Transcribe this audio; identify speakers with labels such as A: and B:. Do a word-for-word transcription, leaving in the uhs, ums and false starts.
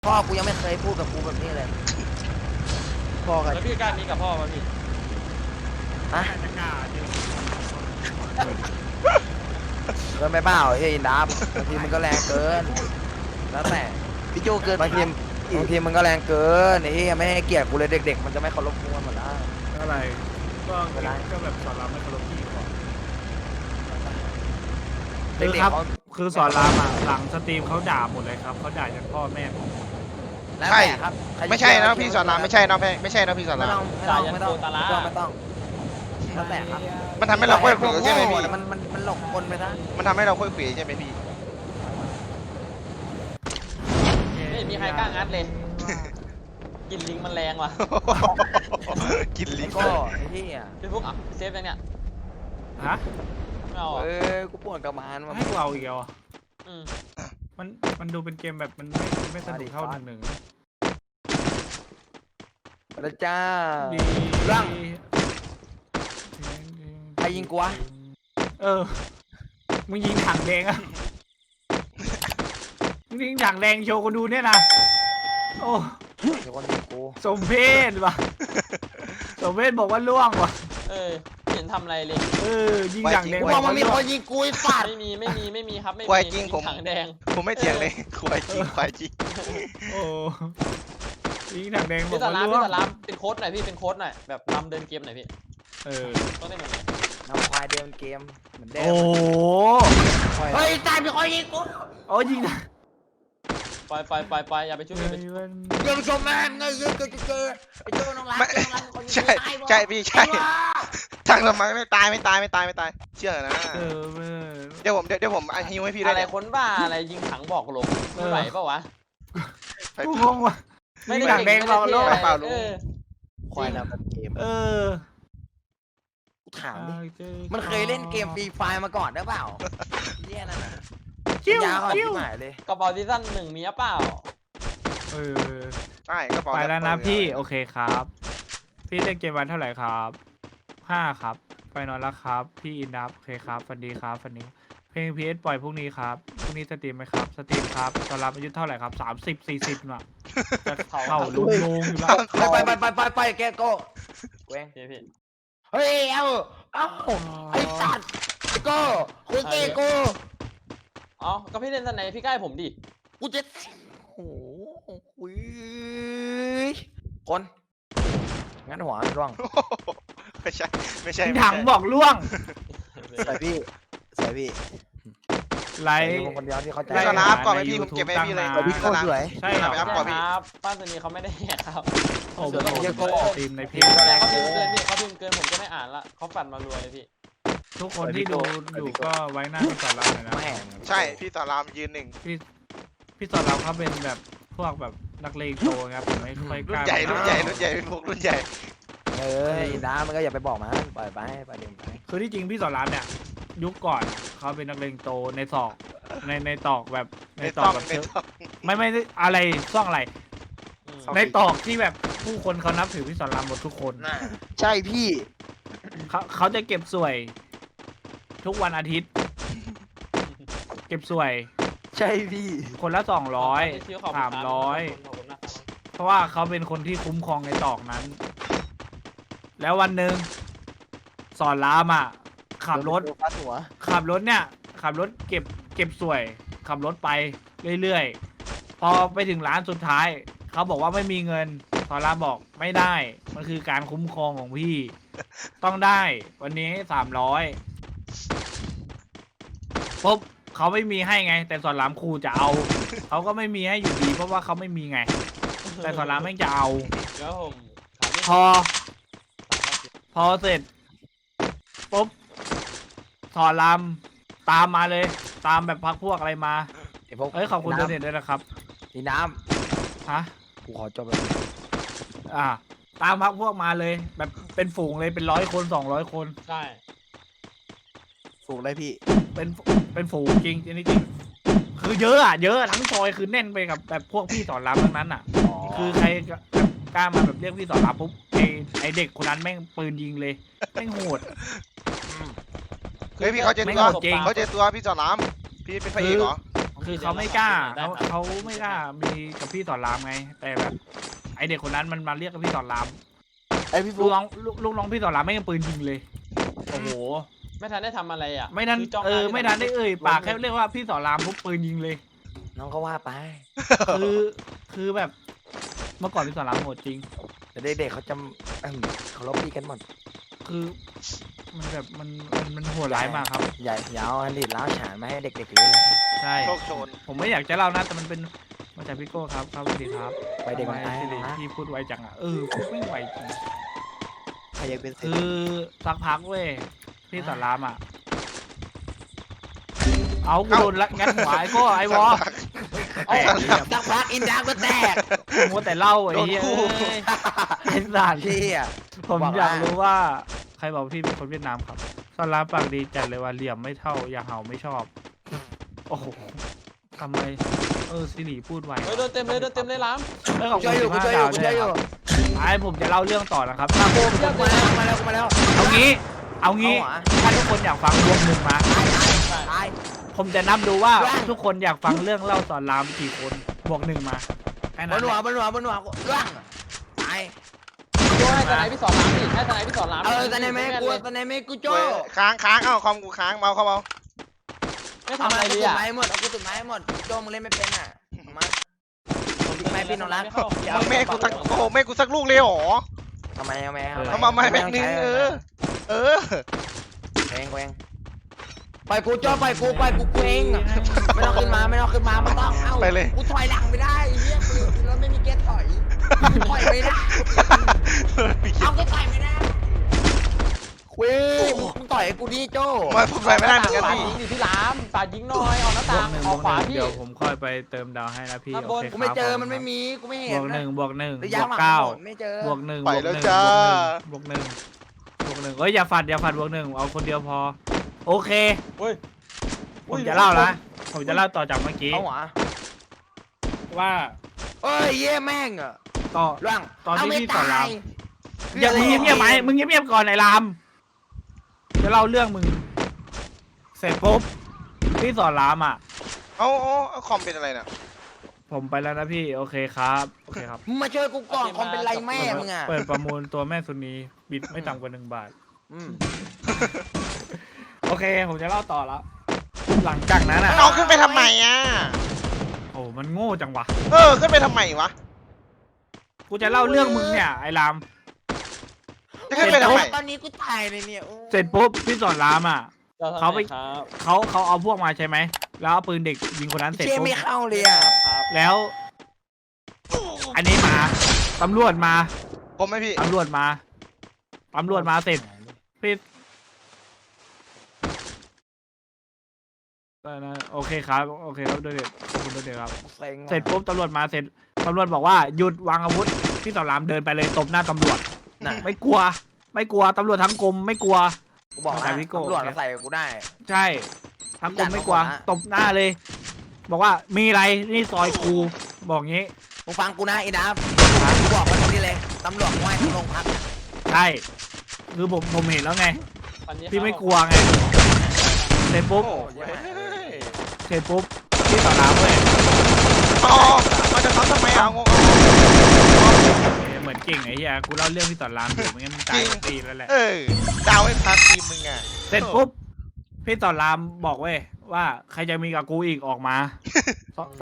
A: พ่อกูยังไม่เคยพูดกับกูแบบนี้เลยพ่อกัน
B: แล้วพี่กล้ามีกับพ่อมาพี่
A: ฮะเกินไปเปล่าเฮ้ยนับบางทีมันก็แรงเกินแล้วแต่พี่โจเกินบางทีบางทีมันก็แรงเกินนี่ไม่ให้เกียรติกูเลยเด็กๆมันจะไม่เคารพกูกันหมดแล้ว
C: อะไรก็ก็แบบสอนรามไม่เคารพพี่ก่อนคือครับคือสอนรามอ่ะหลังสตรีมเขาด่าหมดเลยครับเขาด่าจนพ่อแม่ผม
A: ใช่ครับ
D: ไม่ใช่นะพี่สอนรามไม่ใช่นะไม่ใช่นะพี่สอนราม
A: ไม่ต้องไม่ต้องไม่ต้องไม่ต้องแล้วแต่ครับ
D: มันทำให้เราค่อยเขวใช่ไหมพี่
A: มันมันมันหลงคนไปซะ
D: มันทำให้เราค่อยเขวใช่ไหมพี่
B: ไม่มีใครกล้างัดเลยกินลิงมันแรงว่ะ
D: กินลิง
A: ก็ไอ้ที่อ่ะ
B: พี่ฟุกเซฟยังเนี่ย
C: ฮะ
B: ไม่เอา
A: เออกูปวดกระบาลมา
C: ให้เราอีกเหรอ
B: อืม
C: มันมันดูเป็นเกมแบบมันไม่ไม่สนุกเท่าหนึ่งหนึ่ง
A: พระเจ้า
C: ดี
A: ร่างใครยิงกูวะ
C: เออมึงยิงถังแดงอะมึงยิงถังแดงโชว์กูดูเนี่ยนะโอ้
A: เดี๋ยวคนยิงกู
C: สมเพศว่ะสมเพศบอกว่าล่วงว่ะ
B: เออเห็นทำอะไรเลย
C: เออยิงถังแดง
A: บอกมันมีคนยิงกูไอ้สัตว์
B: ไม่มีไม่มีไม่มีครับไม่มี
D: ควายจริงผม
B: ถังแดง
D: ผมไม่เถียงเลยควายจริงควายจริง
C: โอ้ยิงถังแดงบอก
B: พี่สา
C: ว่า
B: ราม
C: ล่วง
B: พี่สารามเป็นโค้ดหน่อยพี่เป็นโค้ดหน่อยแบบนำเดินเกมหน่อยพี่
C: เออ
B: ต้องได้หน่อย
A: นำควายเดินเกมเหมือนเดิม
C: โอ้
A: เฮ้ยตายมีคนยิงกู
C: โอ้ยิง
B: ไปไปไปไปอย่าไปช่วยอย่าไปช่วย
A: อย่าไปชมแม่งเงยเงยเงยเงยไอ้โจ้น้องรักน้องรักคนยิงตาย
D: ใช่พี่ใช่ทางทำไมไม่ตายไม่ตายไม่ตายไม่ตายเชื่อนะเดี๋ยวผมเดี๋ยวผมฮิวให้พี่ได้
B: อะไรคนบ้าอะไรยิงถังบอกหลงไม่ไหวเปล่าวะ
C: กูงงว่ะไม่ได้ถังแดงเราโลก
D: เปล่าลุง
A: ควายนำเกม
C: เออ
A: ถามดิมันเคยเล่นเกมฟรีไฟมาก่อนหรือเปล่าเนี่ยนั่นน่ะ
C: คิ้ว
A: คิ้วหายเลย
B: กระเป๋าซีซั่นหนึ่งมีเปล่า
C: เออ
D: ใช่กระเป๋า
C: ไปแล้วนะพี่โอเคครับพี่เล่นเกมวันเท่าไหร่ครับห้าครับไปนอนแล้วครับพี่อินดับโอเคครับฟันดีครับฟันดีเพลงพีเอสปล่อยพรุ่งนี้ครับพรุ่งนี้สตรีมไหมครับสตรีมครับตอนรับอายุเท่าไหร่ครับสามสิบสี่สิบน่ะจะเข้าลุงลุงอยู่แล้ว
A: ไปไปไปไปไปแกโก้เว้ง
B: พี่
A: เฮ้ยเอ้าเอ้าไอ้สัตว์โก้คุยเกโก้
B: อ๋อก็พี่เล่นสันไหนพี่ใกล้ผมดิ
A: กูจะโอ้โหคุยคนงั้นหัวร่วง
D: ไม่ใช่ไม่ใช่
C: ถังบอกล่วง
A: ใส่พี่ใส่พี่
C: ไล
A: ฟ์คนเดียวที่เขาใจ
D: สนามก่อนไปพี่ผมเก็บให้พี่เลย
A: พี่โคตรสวย
C: ใช่ครับ
B: ครับป้าตัวนี้เขาไม่ได้แหกครับ
C: โอ้โหเยอะโก้ทีมในเพจ
B: เขาพิมพ์เกินพี่เขาพิมพ์เกินผมก็ไม่อ่านละเขาฝันมารวยเลยพี่
C: ทุกคนที่ดูอยู่ก็ไว้หน้าพี่สอนรามเลยนะ
D: ใช่พี่สอนรามยืนหนึ่ง
C: พี่พี่สอนรามเขาเป็นแบบพวกแบบนักเลงโตครับผมไม่ค่อยกล้า
D: รุ่นใหญ่รุ่นใหญ่รุ่นใหญ่เป็นพวกรุ่นใหญ่
A: เออน้ามันก็อย่าไปบอกมันปล่อยไปไปเดินไป
C: คือที่จริงพี่สอนรามเนี่ยยุคก่อนเขาเป็นนักเลงโตในศอกในในตอกแบบในตอกแบบไม่ไม่อะไรซ่องอะไรในตอกที่แบบผู้คนเขานับถือพี่สอนรามหมดทุกคน
A: ใช่พี่
C: เขาเขาจะเก็บสวยทุกวันอาทิตย์เก็บสวย
A: ใช่พี่
C: คนละสองร้อยสามร้อยเพราะว่าเขาเป็นคนที่คุ้มครองในตอกนั้นแล้ววันหนึ่งสอนรามอ่ะขับรถขับรถเนี่ยขับรถเก็บเก็บสวยขับรถไปเรื่อยๆพอไปถึงร้านสุดท้ายเขาบอกว่าไม่มีเงินสอนรามบอกไม่ได้มันคือการคุ้มครองของพี่ต้องได้วันนี้สามร้อยปุ๊บเขาไม่มีให้ไงแต่สอนรามครูจะเอาเขาก็ไม่มีให้อยู่ดีเพราะว่าเขาไม่มีไงแต่สอนรามไม่จะเอาพอพอเสร็จปุ๊บสอนรามตามมาเลยตามแบบพักพวกอะไรมาเอ้ยขอบคุณโดเนทด้วยนะครับ
A: นี่น้
C: ำฮะ
A: กูขอจบไป
C: อ่าตามพักพวกมาเลยแบบเป็นฝูงเลยเป็นร้อยคนสองร้อยคน
B: ใช่
A: ฝูงเลยพี่
C: เป็นเป็นฝูงจริงจริงจริงคือเยอะอ่ะเยอะทั้งซอยคือแน่นไปกับแบบพวกพี่สอนรามทั้งนั้นอ่ะคือใครกล้ามาแบบเรียกพี่สอนรามปุ๊บไอไอเด็กคนนั้นแม่งปืนยิงเลยแม่งโหด
D: เฮ้ยพี่เขาเจอตัวเขาเจอตัวพี่สอนรามพี่เป็นพระเอกเหรอ
C: คือเขาไม่กล้าเขาเขาไม่กล้ามีกับพี่สอนรามไง แต่แบบไอเด็กคนนั้นมันมาเรียกกับพี่สอนราม
A: ไอพี่
C: ลู
A: ฟุ
C: ก
A: ก
C: น้องลูกลูกน้องพี่สอนรามไม่ยังปืนยิงเลยโอ้โห
B: ไม่ทันได้ทำอะไรอ่ะ
C: ไม่ทัน
B: คืจ้ง
C: เออ
B: หา
C: ไม่ทันได้เอ่ย
B: ล้ม
C: ปาก
B: ล
C: แค่เรียกว่าพี่สอนรามปุ๊บปืนยิงเลย
A: น้องก็ว่าไป
C: คือคือแบบเมื่อก่อนพี่สอนรามโหดจริง
A: แต่เด็กๆเขาจะเอิ่มเขาลบพี่กันหมด
C: คือมันแบบมันมันมันโหดร้ายมากครับ
A: ใหญ่ยาวอันดิดล้าวฉานมาให้เด็กๆรู้เลย
C: ใช่
D: โชคโชน
C: ผมไม่อยากจะเล่านะแต่มันเป็นมาจากพี่โก้ครับครับสวัสดีครับ
A: ไปเด็กมัน
C: ทำ
A: ตาย
C: ไม
A: นะ
C: พี่พูดไวจังอ่ะเออพูดไม่ไวจริง
A: ใครอยากเป็นเศรษ
C: คื
A: ฐี
C: อสักพักเว้ยพี่สอนรามอ่ะเอากูโดนละงัดหัวไอ้โก้ไอ้วอ
A: โอ้ยสักพักอินดาก็แตก
C: มัวแต่เล่าไอ้เหี้ย
D: โดนคู่
C: เอ้ยไอ้สัตว์
A: พี่อ่ะ
C: ผม
A: บอกว่า
C: อยากรู้ว่าใครบอกพี่เป็นคนเวียดนามครับสอนรามปากดีจัดเลยว่าเหลี่ยมไม่เท่าอย่าเห่าไม่ชอบ โอ้โหทำไมเออสิริพูดไว
B: เฮ้ยโดนเต็มเลยโดนเต็มเลยล้
C: เออขอบ
A: ช่
C: คุ
A: วย
C: ณ
A: อยู่
C: สิบ
A: กู
C: ห้า
A: ช่วยอยู่
C: ดาว
A: กู
C: ด้วย
A: ช่วยอยู่
C: ไอ้ผมจะเล่าเรื่องต่อนะครับ
A: มากูมาแล้วมาแล้วมาแล้ว
C: เอางี้ เอางี้
A: เอาหรอ
C: ถ้าทุกคนอยากฟังรวมหนึ่งมา
A: ตาย
C: ผมจะนับดูว่า
A: แว่น
C: ทุกคนอยากฟังเรื่องเล่าสอนรามกี่คนบวกหนึ่งมาแค่
A: บ
C: นั้น
A: น
C: แห
A: หัว
C: ละ
A: บนหัวบนหัวเรื่องตาย
B: ำโจ้ให้ทนายพี่สอนล้ำดิให้ทนายพี่สอนล้ำ
A: เออตอนนี้ไม่กูตอนนี้ไม่กูโจ้
D: เว้ยค้างค้างเอ้าคอมกูค้างเมาเข้าเมา
B: ไม่
A: เอา
B: ทำอะ
A: มา
B: ไร
A: กู
B: เลย
A: ตุ่
B: อ่ะ
A: ไม้หมดเอากูตุ่ไม้หมดโจ้มึงเล่นไม่เป็นอ่ะมาผมทิ้งไม้พี่น้องรัก
D: มึงไม่ให้กูสักโอ้โหไม่ให้กูสักลูกเลยเหรอ
A: ทำไมเอาไหม
D: เอามาไม่แม็กนึงเออ เออ
A: เองเองไปกูโจ้ไปกูไปกูเองไม่ต้องขึ้นมาไม่ต้องขึ้นมาไม่ต้องเอ้า
D: ไปเลย
A: กูถอยหลังไม่ได้เฮียรถไม่มีเกียร์ถอยถอยไม่ได้เอาก็ถอยไม่ได้คุยมึงต่อยกูดิโจ้
D: มาผมไปไม่ได้เหมือนกัน
B: ฝา
D: พี่
B: ยิงดิพี่ล้ำฝายิงหน่อยออกหน้า
C: บว
B: ต่าก ง
C: หนึ่ง
B: อ
C: บอก วก
B: ขวา
C: หนึ่ง
B: พี่
C: เดี๋ยวผมค่อยไปเติมดาวให้นะพี่
B: ข้าง
C: โอบ
B: น
C: เค
A: กูไม่เจอ
C: ครับ
A: มันไม่มีกูไม่
C: บ
A: เห็น
C: วกหนึ่งบวกหนึ่ง
A: ระ
C: บ
A: ยะ
C: วก
A: หลัง
C: เก้า
A: ไม่เจอบ
C: วกหนึ่ง
D: ไป
C: บวก
D: แล้ว
C: หนึ่ง
D: จ้า
C: บวกหนึ่งบวกหนึ่งเอ้ยอย่าฝัดอย่าฝัดบวกหนึ่งเอาคนเดียวพอ โอเค
B: เฮ้ย
C: ผมจะเล่าละผมจะเล่าต่อจากเมื่อกี้
A: เอาหวะ
C: ว่า
A: เอ้ยเย่แม่งอ่ะ
C: ต่อ
A: ร่าง
C: ตอนที่
A: เาไม่
C: พี่สอนราม
A: ตย
C: อย่ามึงเงียบๆไหมมึงเงียบๆก่อนไอ้รามจะเล่าเรื่องมึง เสร็จปุ๊บพี่สอนรามอ่ะ
D: เอาเอาเอาคอมเป็นอะไรน่ะ
C: ผมไปแล้วนะพี่โอเคครับโอเคครับ
A: มึงมาช่วยกูก่อนคอมเป็นไรแม่มึงอ่ะ
C: เปิดประมูลตัวแม่สุนีบิดไม่ต่ำกว่าหนึ่งบาท
A: อืม
C: โอเค ผมจะเล่าต่อแล้ว หลังจากนั้นอ่ะ
D: เอาขึ้นไปทำไมอ่ะ
C: โอ้มันโง่จังวะ
D: เออ ขึ้นไปทำไมวะ
C: กูจะเล่าเรื่องมึงเนี่ยไอ้ราม
D: จะขึ้นไปทำไม
A: ตอนนี้กูตายเลยเนี่ยโอ้
C: เสร็จปุ๊บพี่สอนรามอ่ะ เขาไป
B: ครับ
C: เขาเขาเอาพวกมาใช่ไหมแล้วเอาปืนเด็กยิงคนนั้นเสร็จ
A: เชี่ย
C: ปุ๊บ
A: ไม่เข้าเลยอ่ะ
B: ครับ
C: แล้ว อันนี้มาตำรวจมา
D: ผมไหมพี่
C: ตำรวจมาตำรวจมาเสร็จพี่ได้นะโอเคครับโอเคครับด้วยเด็ดขอบคุณด้วยเด็ดครับ
A: เซ็งว่ะ
C: เสร็จปุ๊บตำรวจมาเสร็จตำรวจบอกว่าหยุดวางอาวุธพี่สอนรามเดินไปเลยตบหน้าตำรวจ
A: น่ะ
C: ไม่กลัว ไม่กลัวตำรวจทั้งกรมไม่กลัว
A: กูบอก
C: แต่
A: นะ
C: พี่โก้
A: ตำรวจมาใส่กูได้
C: ใช่ทั้งกรมไม่กลัว
A: จัดมาหมดนะ
C: ตบหน้าเลย บอกว่ามีอะไรนี่ซอยกูบอกงี้
A: มึงฟังกูนะไอ้ดับกูบอกมาตรงนี้เลยตำรวจไหว้ทั้งโรงพัก
C: ใช่คือผมผมเห็นแล้วไง
B: วันนี้
C: พี่ไม่กลัวไงเสร็จปุ๊บ
D: โอ้เว้ย
C: เสร็จปุ๊บพี่สอนรามเว้ย
D: อ๋อมาจะทับทำไมอ่ะงง
C: เหมือนเก่งไอ้เหี้ยกูเล่าเรื่องพี่สอนรามอยู่ไม่งั้นมึงตายทั้งปีแล้วแหละ
D: เออ ดาวให้พักทีมมึงอ่ะ
C: เสร็จปุ๊บพี่สอนรามบอกเว้ยว่าใครจะมีกับกูอีกออกมา